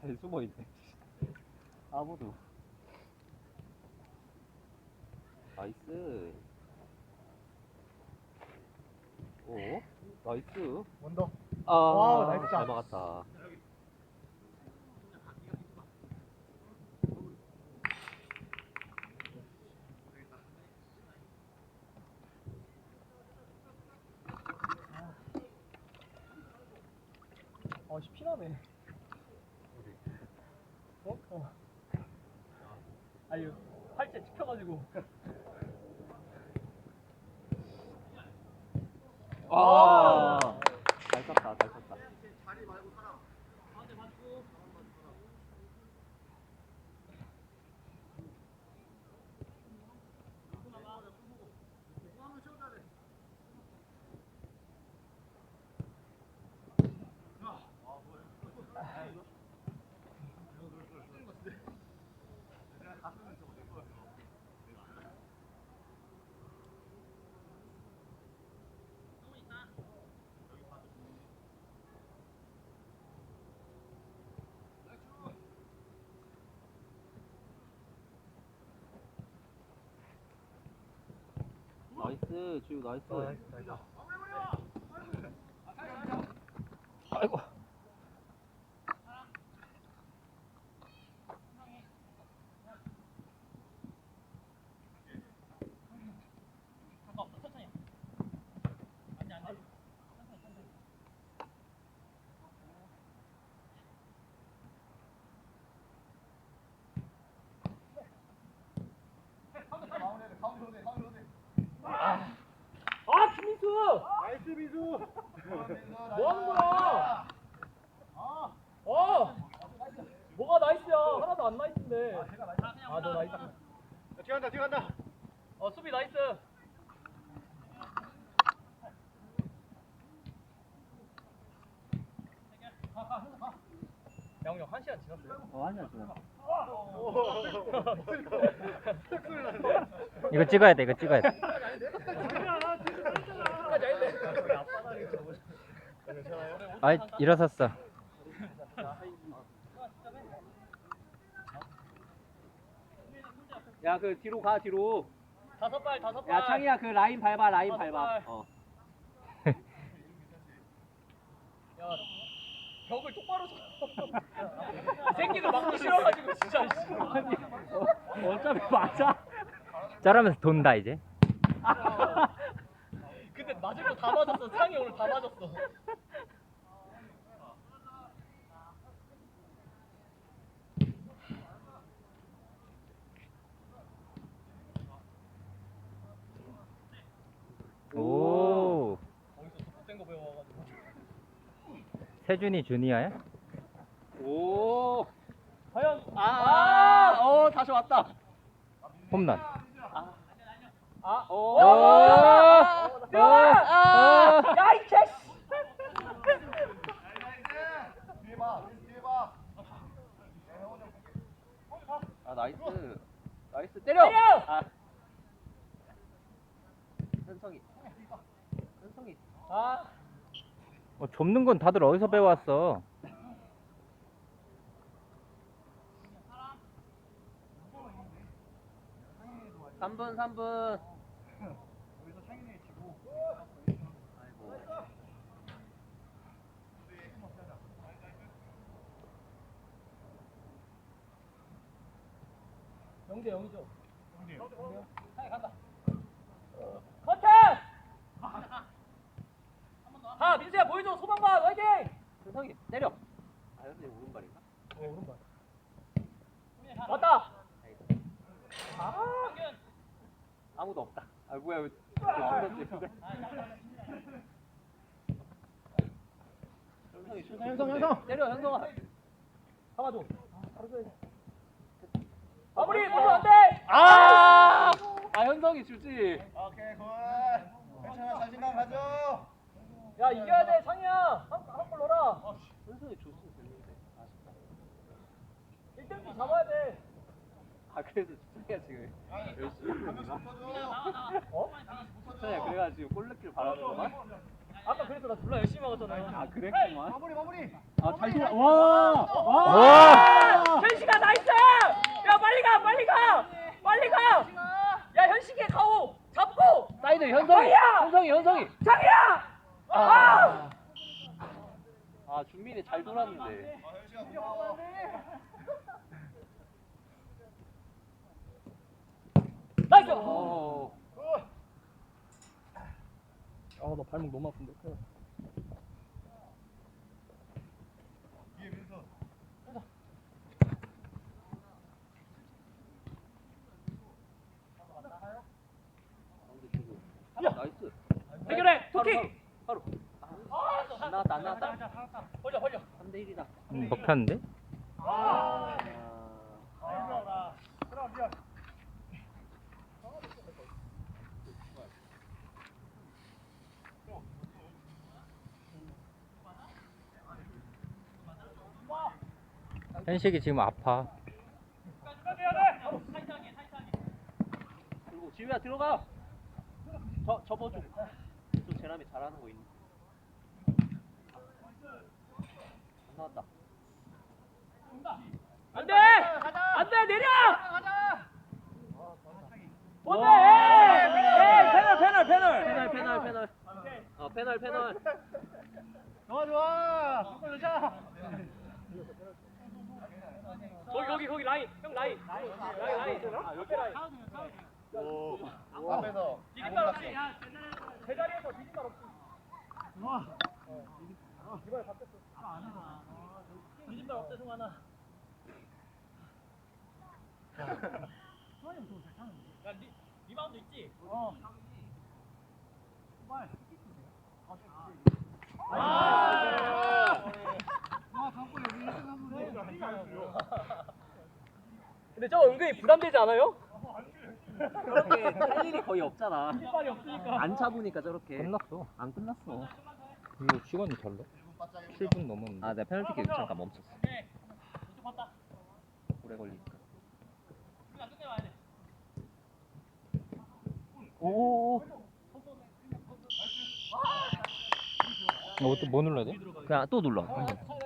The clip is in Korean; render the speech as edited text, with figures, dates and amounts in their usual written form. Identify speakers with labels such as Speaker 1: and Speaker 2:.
Speaker 1: 숨어있네. 아무도. 나이스. 오, 나이스.
Speaker 2: 원더.
Speaker 1: 아,
Speaker 2: 와우, 나이스
Speaker 1: 잘
Speaker 2: 샷.
Speaker 1: 막았다.
Speaker 2: 씨, 피나네. 어? 아니, 팔째 찍혀가지고.
Speaker 1: 아, 잘 쳤다, 잘 쳤다. 나이스, 지우 나이스.
Speaker 2: 나이스.
Speaker 1: 아이고.
Speaker 2: 김민수!
Speaker 3: 나이스 민수.
Speaker 2: 뭐 하는 거야? 뭐가 나이스야? 하나도 안 나이스인데. 너 나이스.
Speaker 3: 뛰어간다.
Speaker 2: 수비 나이스. 양우 형 1시간 지났어요?
Speaker 1: 아니야, 지금.
Speaker 3: 소리 나는데.
Speaker 4: 이거 찍어야 돼, 이거 찍어야 돼. 아이, 일어섰어.
Speaker 1: 야, 그 뒤로 가, 뒤로.
Speaker 2: 다섯 발.
Speaker 1: 야, 창이야, 그 라인 밟아, 라인
Speaker 2: 다섯
Speaker 1: 밟아.
Speaker 2: 발. 야, 벽을 똑바로 서. 이 새끼들 막기 싫어가지고 진짜.
Speaker 1: 어차피 맞아.
Speaker 4: 저러면서 돈다, 이제.
Speaker 2: 근데 맞을 거 다 맞았어. 상이 오늘 다 맞았어.
Speaker 4: 오.
Speaker 2: 거기서 또 못된 거 배워가지고.
Speaker 4: 세준이 주니어야?
Speaker 1: 오.
Speaker 2: 과연
Speaker 1: 다시 왔다.
Speaker 4: 홈런.
Speaker 1: 오.
Speaker 2: 야, 이 개씨!
Speaker 3: 뒤에 봐.
Speaker 1: 아, 나이스. 나이스, 때려! 아. 현성이.
Speaker 4: 접는 건 다들 어디서 배워왔어?
Speaker 1: 삼 분.
Speaker 3: 여기서 창인이 지고.
Speaker 2: 영재 영이죠. 상이 간다. 커트! 민수야 보여줘. 소방관 화이팅!
Speaker 1: 현성이, 때려. 아, 현성이 오른발인가?
Speaker 2: 오른발. 왔다.
Speaker 1: 아무도 없다. 아, 뭐야, 왜. 현성이. 때려, 현성아.
Speaker 2: 잡아줘. 마무리 보면 안 돼.
Speaker 1: 현성이 주지.
Speaker 3: 오케이 굿. 괜찮아 자신감 가져.
Speaker 2: 야 이겨야 돼 상이야. 한골 넣어라.
Speaker 1: 현성이 줬으면 됐는데. 아쉽다.
Speaker 2: 1등씩 잡아야 돼.
Speaker 1: 아, 그래서 주찬이가 지금 열심히 했는가?
Speaker 2: 어?
Speaker 1: 주찬이가 그래가지고 골 넣기를 바라는구만?
Speaker 2: 아까 그래서 나 졸라 열심히 막았잖아.
Speaker 1: 아 그랬구만.
Speaker 3: 마무리.
Speaker 1: 아잘 돌아. 와.
Speaker 4: 와!
Speaker 2: 현식아 나이스! 야 빨리 가 빨리 가 빨리 가! 야 현식이 가오 잡고!
Speaker 1: 사이드 현성이. 현성이.
Speaker 2: 장이야!
Speaker 1: 아. 아 준민이 잘 돌았는데.
Speaker 2: 나이스!
Speaker 1: 어.
Speaker 2: 아나 발목 너무 아픈데.
Speaker 1: 나이스.
Speaker 2: 해결해! 토킹!
Speaker 1: 바로. 안 나왔다.
Speaker 2: 벌려
Speaker 1: 3대 1이다.
Speaker 4: 먹혔는데? 현식이 지금 아파.
Speaker 1: 그리고 지우야 들어가. 접어줘. 또 제람이 잘하는 거 있네. 안 나왔다.
Speaker 2: 안돼! 안돼 내려! 뭔데?
Speaker 1: 패널. 패널.
Speaker 3: 좋아. 한골 넣자.
Speaker 2: 거기 라인 형 라인 옆에 라인
Speaker 3: 앞에서.
Speaker 2: 디딤발 없이 제자리에서 디딤발 없이 이번에 바뀌었어 디딤발 없대 승환아 야 리바운드 있지? 근데 저거 은근히 부담되지 않아요?
Speaker 1: 그렇게 할 일이 거의 없잖아.
Speaker 2: 뒷발이 없으니까
Speaker 1: 안 차보니까 저렇게.
Speaker 4: 끝났어.
Speaker 1: 안 끝났어.
Speaker 4: 이거 시간이 잘래? 7분 넘었는데.
Speaker 1: 아, 내가 페널티킥 잠깐 멈췄어.
Speaker 2: 왼쪽 봤다
Speaker 1: 오래 걸리니까.
Speaker 2: 그냥 끝내봐야 돼
Speaker 1: 오.
Speaker 4: 또 뭐 눌러야 돼?
Speaker 1: 그냥 또 눌러.